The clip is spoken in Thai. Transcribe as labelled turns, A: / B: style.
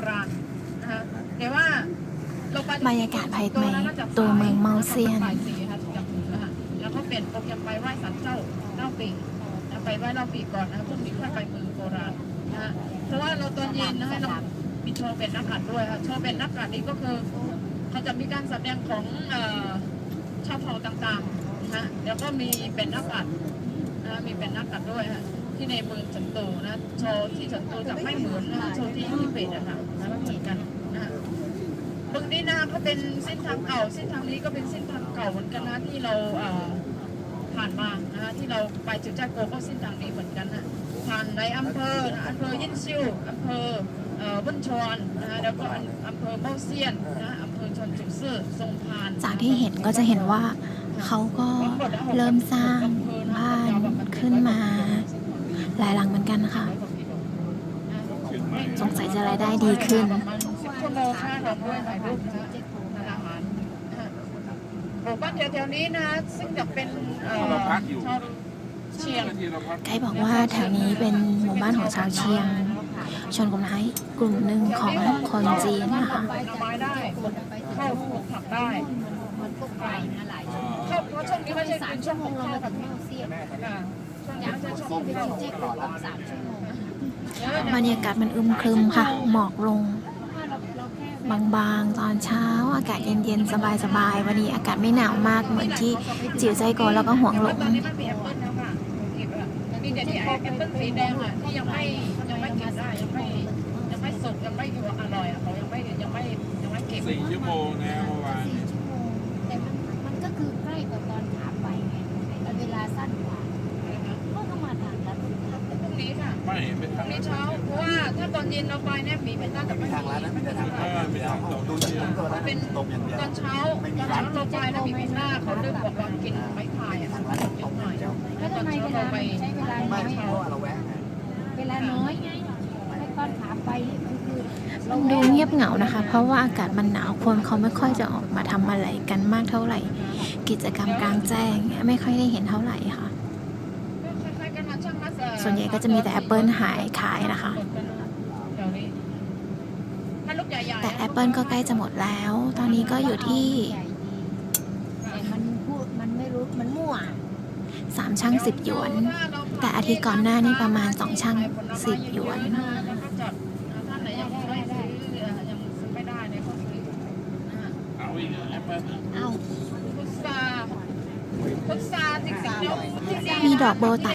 A: ราณนะคะแต่ว่า
B: บรรยากาศภายในตัวเมืองเมาเซียน
A: แล้วก็เปลี่ยนโปรแกรมไปไหว้ศาลเจ้าเล่าปีไปไหว้เล่าปีก่อนนะพรุ่งนี้ค่อยไปเมืองโบราณนะเพราะว่าเราตอนเย็นนะให้เรามีโชว์เป็นนักขัดด้วยค่ะโชว์เป็นนักขัดนี้ก็คือเขาจะมีการแสดงของชาวเผ่าต่างๆนะแล้วก็มีเป็นนักขัดนะมีเป็นนักขัดด้วยค่ะที่ในเมืองเฉินตูนะโชว์ที่เฉินตูจะไม่เหมือนนะโชว์ที่เปิดอะค่ะนะไม่เหมือนกันนะตรงนี้นะก็เป็นเส้นทางเก่าเส้นทางนี้ก็เป็นเส้นทางเก่าเหมือนกันนะที่เราผ่านมานะที่เราไปจุดจ้าโกก็เส้นทางนี้เหมือนกันนะผ่านในอำเภอยินซิวอำเภอบุญชวนนะแล้วก็อำเภอเมาเซียนนะอำเภอชนจุกซื่อทรงพาน
B: จากที่เห็นก็จะเห็นว่าเขาก็เริ่มสร้างบ้านขึ้นมาหลายหลังเหมือนกันค่ะสงสัยจะรายได้ดีขึ้น
A: ชั่วโมงค่าดอกด้วยถ่ายรูปนะอาหารหมู่บ้านแถวๆนี้นะซึ่งจะเป็นเชียง
B: ไกด์บอกว่าแถวนี้เป็นหมู่บ้านของชาวเชียงชนกลุ่มไทยกลุ่มหนึ่งของคนจีนนะคะ
A: ผลไม้ได้ข้าวผักได้ข้าวเพราะช่วงนี้ไม่ใช่เป็นช่วงของข้าวกับข้าวเสียช่วงนี้ไม่ใช่ช่วงของข้าว
B: บรรยากาศมันอึมครึมค่ะหมอกลงบางๆตอนเช้าอากาศเย็นๆสบายๆวันนี้อากาศไม่หนาวมากเหมือนที่จิ๋วใจโกแล้วก็ห่วงหลง
A: มีแต่ที่แอปเปิ้ลสีแดงอ่ะที่ยังไม่กินได้ยังไม่สุกยังไม่อร่อยอ่ะเขายังไม่เก็บ
C: 4 ชั่วโมงนะเมื่อวาน
D: แต่มันก็คือใกล้กว่าตอนขาไปไงแต่เวลาสั้นกว่าก็เข้ามาทางแล้ว
A: พรุ่งนี้ค่ะพรุ่งนี้เช้าเพราะว่าถ้าตอนเย็นเราไปเนี่ยหมีเป็นน่าจะไม่มีทางร้านนั้นไม่ได้ทาง
C: ดูเชียง
A: เป็นตอนเช้าเราไปแล้วมีเป็นหน้าเขาเริ่มบอกว่ากินไม้พายอ่ะเยอะหน่อย
D: แล้วทำไมเวลาใช้เวลาน้อยเวลาน้อยไงไม่ตอนขาไปคือ
B: ดูเงียบเหงานะคะเพราะว่าอากาศมันหนาวคนเขาไม่ค่อยจะออกมาทำอะไรกันมากเท่าไหร่กิจกรรมกลางแจ้งไม่ค่อยได้เห็นเท่าไหร่ค่ะส่วนใหญ่ก็จะมีแต่แอปเปิลขายนะคะแต่แอปเปิลก็ใกล้จะหมดแล้วตอนนี้ก็อยู่ที่
D: มันไม่รู้มันมั่ว
B: 3 ช่าง 10 หยวนแต่อาทิตย์ก่อนหน้านี้ประมาณ2 ช่าง 10 หยวนมีดอกโบตัน